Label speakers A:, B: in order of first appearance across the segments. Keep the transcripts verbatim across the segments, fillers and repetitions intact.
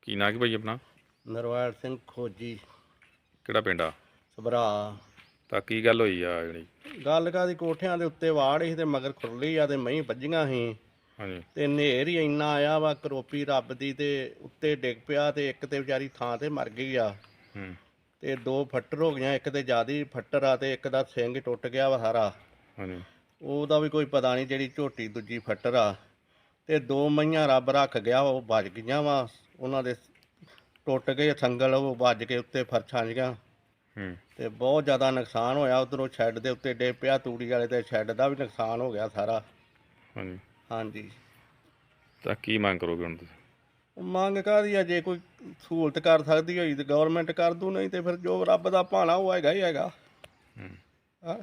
A: ਕੀ ਨਾਂ ਕੀ ਭਾਈ ਆਪਣਾ?
B: ਨਰਵੈਲ ਸਿੰਘ ਖੋਜੀ,
A: ਕਿਹੜਾ ਪਿੰਡ ਆ?
B: ਸਭਰਾ।
A: ਤਾਂ ਕੀ ਗੱਲ ਹੋਈ ਆ ਜਿਹੜੀ?
B: ਗੱਲ ਕਾਹਦੀ, ਕੋਠਿਆਂ ਦੇ ਉੱਤੇ ਵਾੜ ਸੀ ਤੇ ਮਗਰ ਖੁਰਲੀ ਆ ਤੇ ਮਹੀਂ ਵੱਜੀਆਂ ਸੀ
A: ਹਾਂਜੀ।
B: ਤੇ ਹਨੇਰ ਹੀ ਇੰਨਾ ਆਇਆ ਵਾ, ਕਰੋਪੀ ਰੱਬ ਦੀ, ਤੇ ਉੱਤੇ ਡਿੱਗ ਪਿਆ ਤੇ ਇੱਕ ਤੇ ਵਿਚਾਰੀ ਥਾਂ ਤੇ ਮਰ ਗਈ ਆ।
A: ਹੂੰ।
B: ਤੇ ਦੋ ਫੱਟਰ ਹੋ ਗਈਆਂ, ਇੱਕ ਤੇ ਜ਼ਿਆਦਾ ਫੱਟਰ ਆ ਤੇ ਇੱਕ ਦਾ ਸਿੰਘ ਟੁੱਟ ਗਿਆ ਵਾ ਸਾਰਾ।
A: ਹਾਂਜੀ।
B: ਉਹਦਾ ਵੀ ਕੋਈ ਪਤਾ ਨਹੀਂ, ਜਿਹੜੀ ਝੋਟੀ ਦੂਜੀ ਫੱਟਰ ਆ। ਤੇ ਦੋ ਮਈਆਂ ਰੱਬ ਰੱਖ ਗਿਆ, ਉਹ ਵੱਜ ਗਈਆਂ ਵਾ, ਉਹਨਾਂ ਦੇ ਟੁੱਟ ਗਏ ਸੰਗਲ, ਉਹ ਵੱਜ ਕੇ ਉੱਤੇ ਫਰਸ਼ਾਂ ਜੀਆਂ।
A: ਹੂੰ।
B: ਤੇ ਬਹੁਤ ਜ਼ਿਆਦਾ ਨੁਕਸਾਨ ਹੋਇਆ। ਉਧਰੋਂ ਸ਼ੈੱਡ ਦੇ ਉੱਤੇ ਡੇ ਪਿਆ, ਤੂੜੀ ਵਾਲੇ ਤੇ ਸ਼ੈੱਡ ਦਾ ਵੀ ਨੁਕਸਾਨ ਹੋ ਗਿਆ ਸਾਰਾ।
A: ਹਾਂਜੀ।
B: ਹਾਂਜੀ।
A: ਤਾਂ ਕੀ ਮੰਗ ਕਰੋਗੇ ਹੁਣ ਤੁਸੀਂ?
B: ਮੰਗ ਕਾਹਦੀ ਆ, ਜੇ ਕੋਈ ਸਹੂਲਤ ਕਰ ਸਕਦੀ ਹੋਈ ਤੇ ਗੌਰਮੈਂਟ ਕਰ ਦੂ, ਨਹੀਂ ਤੇ ਫਿਰ ਜੋ ਰੱਬ ਦਾ ਭਾਣਾ ਉਹ ਹੈਗਾ ਹੀ ਹੈਗਾ।
A: ਹੂੰ।
B: ਹਾਂ।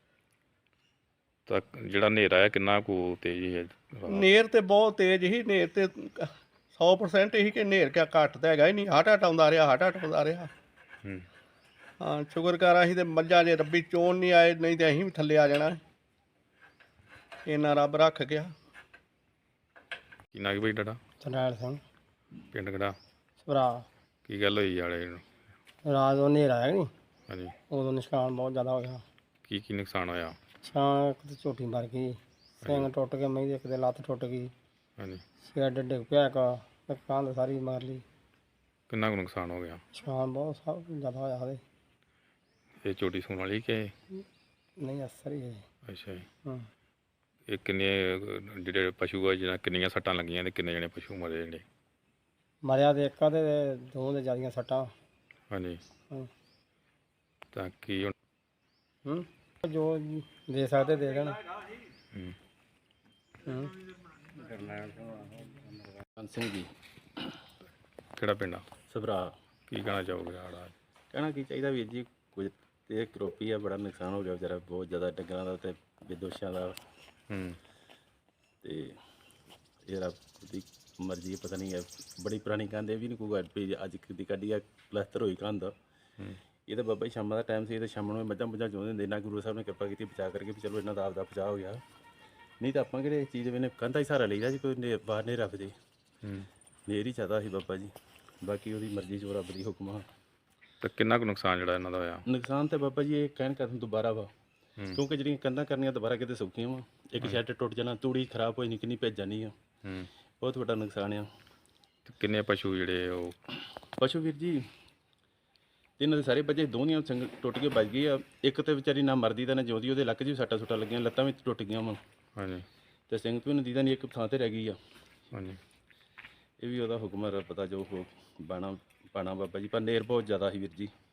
A: ਤਾਂ ਜਿਹੜਾ ਹਨੇਰਾ ਹੈ ਕਿੰਨਾ ਕੁ ਤੇਜ਼ ਹੈ?
B: ਨੇਰ ਤੇ ਬਹੁਤ ਤੇਜ਼ ਹੀ, ਨੇਰ ਤੇ ਸੌ ਪਰਸੈਂਟ ਹੀ ਕਿ ਨੇਰ ਕਿਆ ਘੱਟ ਤਾਂ ਹੈਗਾ ਹੀ ਨਹੀਂ, ਹਟ ਹਟ ਆਉਂਦਾ ਰਿਹਾ, ਹਟ ਹਟ ਆਉਂਦਾ ਰਿਹਾ।
A: ਹੂੰ।
B: ਹਾਂ, ਸ਼ੁਕਰ ਕਰ ਅਸੀਂ ਤੇ ਮੱਝਾਂ ਜੇ ਰੱਬੀ ਚੋਣ ਨਹੀਂ ਆਏ, ਨਹੀਂ ਤੇ ਅਸੀਂ ਵੀ ਥੱਲੇ ਆ ਜਾਣਾ। ਇੰਨਾ ਰੱਬ ਰੱਖ ਗਿਆ।
A: ਕੀ ਨਾਂ ਕੀ ਭਾਈ ਤੁਹਾਡਾ?
C: ਨਰਵੈਲ ਸਿੰਘ,
A: ਪਿੰਡ ਕਿਹੜਾ?
C: ਸਭਰਾ।
A: ਕੀ ਗੱਲ ਹੋਈ ਵਾਲੇ ਨੂੰ?
C: ਰਾਤ ਨੂੰ ਹਨੇਰਾ ਆਇਆ ਨੀ,
A: ਹਾਂਜੀ।
C: ਉਦੋਂ ਨੁਕਸਾਨ ਬਹੁਤ ਜ਼ਿਆਦਾ ਹੋ ਗਿਆ।
A: ਕੀ ਕੀ ਨੁਕਸਾਨ ਹੋਇਆ?
C: ਛਾਂ ਇੱਕ ਤੇ ਝੋਟੀ ਮਰ ਗਈ, ਸਿੰਘ ਟੁੱਟ ਕੇ ਮਹੀਂ ਦੀ, ਇੱਕ ਦੇ ਲੱਤ ਟੁੱਟ ਗਈ,
A: ਹਾਂਜੀ।
C: ਸ਼ੈੱਡ ਡਿੱਗ ਪਿਆ, ਇੱਕ ਦੁਕਾਨ ਸਾਰੀ ਮਾਰ ਲਈ।
A: ਕਿੰਨਾ ਕੁ ਨੁਕਸਾਨ ਹੋ ਗਿਆ?
C: ਨੁਕਸਾਨ ਬਹੁਤ ਸਭ ਜ਼ਿਆਦਾ ਹੋਇਆ ਉਹਦੇ।
A: ਇਹ ਝੋਟੀ ਸੂਣ ਵਾਲੀ ਕਿ?
C: ਨਹੀਂ ਅਸਰ ਹੀ ਹੈ।
A: ਅੱਛਾ ਜੀ।
C: ਹਾਂ।
A: ਇਹ ਕਿੰਨੇ ਅਹ, ਜਿਹੜੇ ਪਸ਼ੂ ਆ, ਜਿਹਨਾਂ ਕਿੰਨੀਆਂ ਸੱਟਾਂ ਲੱਗੀਆਂ ਤੇ ਕਿੰਨੇ ਜਣੇ ਪਸ਼ੂ ਮਰੇ ਜਿਹੜੇ?
C: ਮਰਿਆ ਤੇ ਇੱਕ ਆ ਤੇ ਦੋ ਦੇ ਜ਼ਿਆਦੀਆਂ ਸੱਟਾਂ।
A: ਹਾਂਜੀ।
C: ਹਾਂ।
A: ਤਾਂ ਕੀ ਹੁਣ?
C: ਹੂੰ। ਜੋ ਦੇ ਸਕਦੇ ਦੇ ਦੇਣ।
A: ਹੂੰ।
C: ਹੂੰ।
D: ਸਿੰਘ ਜੀ,
A: ਕਿਹੜਾ ਪਿੰਡ ਆ?
D: ਸਭਰਾ।
A: ਕੀ ਕਹਿਣਾ ਚਾਹੋਗੇ ਆੜਾ?
D: ਕਹਿਣਾ ਕੀ ਚਾਹੀਦਾ ਵੀਰ ਜੀ, ਕੁਝ ਤੇ ਕਰੋਪੀ ਆ, ਬੜਾ ਨੁਕਸਾਨ ਹੋ ਗਿਆ ਵਿਚਾਰਾ, ਬਹੁਤ ਜ਼ਿਆਦਾ ਡੰਗਰਾਂ ਦਾ ਤੇ ਬੇਦੋਸ਼ਾਂ ਦਾ।
A: ਹੂੰ।
D: ਤੇ ਇਹ ਰੱਬ ਦੀ ਮਰਜ਼ੀ ਹੈ, ਪਤਾ ਨਹੀਂ ਹੈ, ਬੜੀ ਪੁਰਾਣੀ ਕੰਧ, ਇਹ ਵੀ ਨਹੀਂ ਕੋਈ ਗੱਲ ਵੀ ਅੱਜ ਦੀ ਕੱਢੀ ਆ, ਪਲਸਤਰ ਹੋਈ ਕੰਧ।
A: ਹੂੰ।
D: ਇਹ ਤਾਂ ਬਾਬਾ ਜੀ ਸ਼ਾਮਾਂ ਦਾ ਟਾਈਮ ਸੀ, ਤੇ ਸ਼ਾਮ ਨੂੰ ਮੱਝਾਂ ਮੁੱਝਾਂ ਚੋਂਦੇ ਹੁੰਦੇ, ਨਾ ਗੁਰੂ ਸਾਹਿਬ ਨੇ ਕਿਰਪਾ ਕੀਤੀ ਬਚਾ ਕਰਕੇ ਵੀ ਚਲੋ ਇਹਨਾਂ ਦਾ ਆਪਦਾ ਬਚਾਅ ਹੋ ਗਿਆ। ਨਹੀਂ ਤਾਂ ਆਪਾਂ ਕਿਹੜੇ ਚੀਜ਼ ਵੇਨੇ ਕੰਧਾਂ ਹੀ ਸਹਾਰਾ ਲਈਦਾ ਜੀ, ਕੋਈ ਨੇ ਬਾਹਰ ਨਹੀਂ ਰੱਖਦੇ।
A: ਹੂੰ।
D: ਨੇਰ ਹੀ ਚਾਹਤਾ ਸੀ ਬਾਬਾ ਜੀ, ਬਾਕੀ ਉਹਦੀ ਮਰਜ਼ੀ ਜੋ ਰੱਬ ਦੀ ਹੁਕਮ ਆ।
A: ਤਾਂ ਕਿੰਨਾ ਕੁ ਨੁਕਸਾਨ ਜਿਹੜਾ ਇਹਨਾਂ ਦਾ ਹੋਇਆ?
D: ਨੁਕਸਾਨ ਤੇ ਬਾਬਾ ਜੀ ਇਹ ਕਹਿਣ ਕਰਨ ਦੁਬਾਰਾ ਵਾ,
A: ਹੂੰ।
D: ਕਿਉਂਕਿ ਜਿਹੜੀਆਂ ਕੰਧਾਂ ਕਰਨੀਆਂ ਦੁਬਾਰਾ ਕਿਤੇ ਸੌਖੀਆਂ ਵਾ। ਇੱਕ ਸ਼ੈੱਡ ਟੁੱਟ ਜਾਣਾ, ਤੂੜੀ ਖਰਾਬ ਹੋਈ, ਨਿੱਕੀ ਨਹੀਂ ਭੇਜ ਜਾਣੀ ਆ।
A: ਹੂੰ।
D: ਬਹੁਤ ਵੱਡਾ ਨੁਕਸਾਨ ਆ।
A: ਤੇ ਕਿੰਨੇ ਪਸ਼ੂ ਜਿਹੜੇ ਉਹ?
D: ਪਸ਼ੂ ਵੀਰ ਜੀ ਇਹਨਾਂ ਦੇ ਸਾਰੇ ਬੱਚੇ, ਦੋਨੀਆਂ ਸੰਗ ਟੁੱਟ ਕੇ ਵੱਜ ਗਈ ਆ। ਇੱਕ ਤੇ ਵਿਚਾਰੀ ਨਾ ਮਰਦੀ ਤਾਂ ਨਾ ਜਿਉਂਦੀ, ਉਹਦੇ ਲੱਕ 'ਚ ਵੀ ਸੱਟਾਂ ਸੁੱਟਾਂ ਲੱਗੀਆਂ, ਲੱਤਾਂ ਵੀ ਟੁੱਟ ਗਈਆਂ ਵਾ।
A: ਹਾਂਜੀ।
D: ਤੇ ਸਿੰਘ ਤੋਂ ਨਦੀ ਦਾ ਨਹੀਂ, ਇੱਕ ਥਾਂ ਤੇ ਰਹਿ ਗਈ ਆ।
A: ਹਾਂਜੀ।
D: ਇਹ ਵੀ ਉਹਦਾ ਹੁਕਮ ਹੈ, ਰੱਬ ਦਾ ਜੋ ਹੋ ਬਾਣਾ ਪਾਣਾ ਬਾਬਾ ਜੀ, ਪਰ ਨੇਰ ਬਹੁਤ ਜ਼ਿਆਦਾ ਸੀ ਵੀਰ ਜੀ।